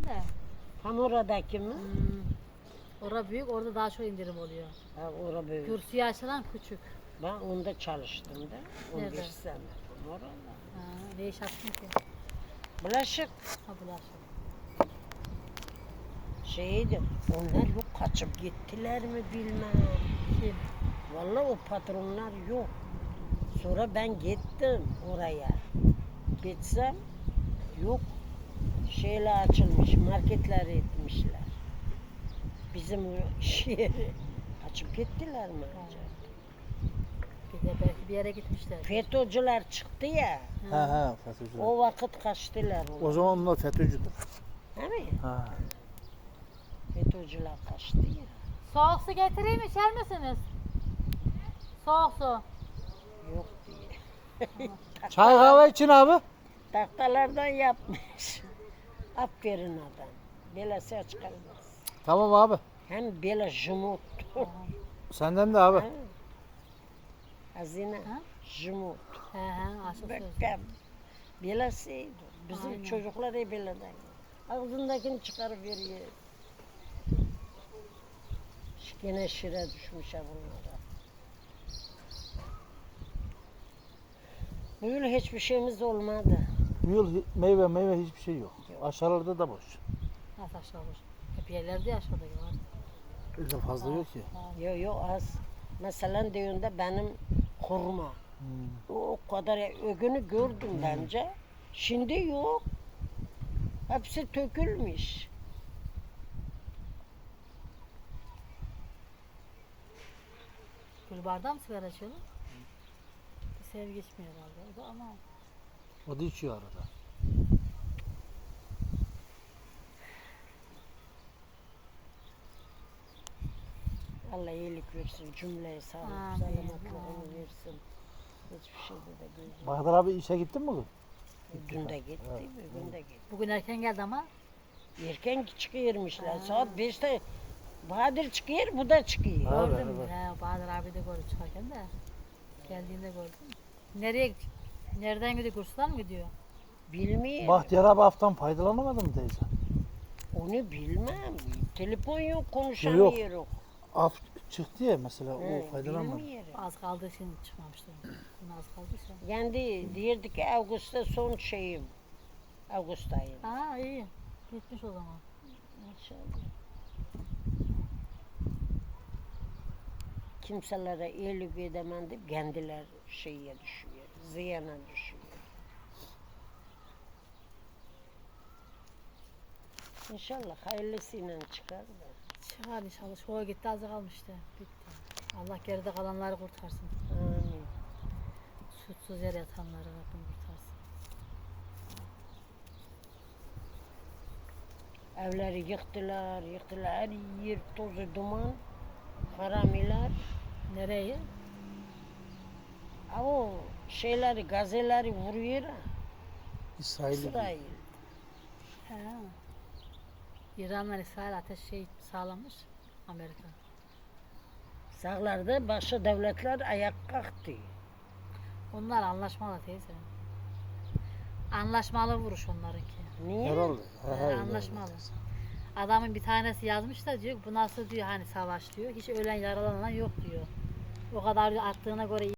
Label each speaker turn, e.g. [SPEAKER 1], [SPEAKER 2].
[SPEAKER 1] de.
[SPEAKER 2] Tam oradaki mi?
[SPEAKER 1] Orada büyük, orada daha çok indirim oluyor.
[SPEAKER 2] Ha, orada böyle.
[SPEAKER 1] Kürsüye açılan küçük.
[SPEAKER 2] Ben onda çalıştım da. 11
[SPEAKER 1] Nerede?
[SPEAKER 2] sene. Tam orada.
[SPEAKER 1] Ha, ne iş yaptın ki?
[SPEAKER 2] Bulaşık
[SPEAKER 1] Ha bulaşık.
[SPEAKER 2] şeydi. Onlar yok, kaçıp gittiler mi bilmem.
[SPEAKER 1] Kim?
[SPEAKER 2] Vallahi o patronlar yok. Sonra ben gittim oraya. Gitsem yok. Şeyler açılmış, marketler etmişler. Bizim o şehri açıp gittiler mi acaba?
[SPEAKER 1] Bir de belki bir yere gitmişler.
[SPEAKER 2] FETÖ'cüler çıktı ya.
[SPEAKER 3] He FETÖ'cüler.
[SPEAKER 2] O vakit kaçtılar.
[SPEAKER 3] O zaman onlar FETÖ'cüdür.
[SPEAKER 2] Değil mi?
[SPEAKER 3] Ha.
[SPEAKER 2] FETÖ'cüler kaçtı ya.
[SPEAKER 1] Soğuk su getireyim mi? İçer misiniz? Soğuk su.
[SPEAKER 2] Yok diye.
[SPEAKER 3] Çay kahve için abi.
[SPEAKER 2] Tahtalardan yapmış. Aferin adam. Böyle ses çıkarmaz.
[SPEAKER 3] Tamam abi.
[SPEAKER 2] Hem böyle jumut.
[SPEAKER 3] Senden de abi.
[SPEAKER 2] Ha? Hazine.
[SPEAKER 1] Ha?
[SPEAKER 2] Jumut.
[SPEAKER 1] He aşık söz.
[SPEAKER 2] Bekkem. Böylesiydi. Bizim
[SPEAKER 1] Aynen.
[SPEAKER 2] çocuklar hep böyle de. Ağzındakini çıkarıp veriyor. Gene şire düşmüş ha bunlara. Bu yıl hiçbir şeyimiz olmadı.
[SPEAKER 3] Bu yıl meyve hiçbir şey yok. Aşağılarda da boş.
[SPEAKER 1] Nasıl aşağı olur? Hep yerlerde aşağıda var.
[SPEAKER 3] Öyle fazla yok ki.
[SPEAKER 2] Yok yok az. Mesela düğünde benim hurma. O kadar ögünü gördüm bence. Şimdi yok. Hepsi tökülmüş.
[SPEAKER 1] Gül bardağı mı sigara içiyorlar? Bir sevgi içmiyor herhalde. O da ama
[SPEAKER 3] O da içiyor arada.
[SPEAKER 2] Allah iyilik versin, cümleye sağlık,
[SPEAKER 1] Amin,
[SPEAKER 2] selametlığını
[SPEAKER 1] amin.
[SPEAKER 2] versin. Hiçbir şeyde de gözüm.
[SPEAKER 3] Bahadır abi işe gittin mi bugün?
[SPEAKER 2] Dün de gitti, bugün de gitti.
[SPEAKER 1] bugün erken geldi ama
[SPEAKER 2] Erken çıkıyormuşlar. Saat 5'te Bahadır çıkıyor, bu da çıkıyor.
[SPEAKER 3] Ha.
[SPEAKER 1] gördüm.
[SPEAKER 3] evet.
[SPEAKER 1] He, Bahadır abi de gördüm çıkarken de. Geldiğinde gördüm. Nereye gidiyor? Nereden gidiyor? Kurslar mı gidiyor?
[SPEAKER 2] Bilmiyorum.
[SPEAKER 3] Bahtiyar abi haftan faydalanamadın mı teyze?
[SPEAKER 2] Onu bilmem. Telefon yok, konuşamıyorum.
[SPEAKER 3] Af çıktı ya mesela
[SPEAKER 2] He,
[SPEAKER 3] o faydalanmadı.
[SPEAKER 2] bilmiyorum.
[SPEAKER 1] Az kaldığı için çıkmamıştır. Bunun az kaldıysa.
[SPEAKER 2] Yani diyorduk ki Ağustos'ta son şeyim. Ağustos ayı.
[SPEAKER 1] Ha iyi. Gitmiş o zaman.
[SPEAKER 2] İnşallah. Kimselere iyilik edemem deyip kendiler şeye düşüyor. Ziyana düşüyor. İnşallah hayırlısıyla çıkar da.
[SPEAKER 1] Çıkar inşallah. Şoğa gitti azı kalmıştı. Bitti. Allah geride kalanları kurtarsın.
[SPEAKER 2] Amin.
[SPEAKER 1] Suçsuz yere yatanları Rabbim kurtarsın.
[SPEAKER 2] Evleri yıktılar, yıktılar. Her yer tozu duman. Haramiler.
[SPEAKER 1] Nereye?
[SPEAKER 2] O şeyleri, gazeleri vuruyor ha.
[SPEAKER 3] İsrail'i.
[SPEAKER 2] İsrail.
[SPEAKER 1] He. İran'la İsrail ateş sağlamış. Amerika.
[SPEAKER 2] Sağlarda başka devletler ayak kalktı.
[SPEAKER 1] Onlar anlaşmalı teyze. Anlaşmalı vuruş onlarınki.
[SPEAKER 2] Niye?
[SPEAKER 3] Herhalde.
[SPEAKER 1] Anlaşmalı. Adamın bir tanesi yazmış da diyor bu nasıl diyor hani savaş diyor. Hiç ölen yaralanan yok diyor. O kadar diyor, attığına göre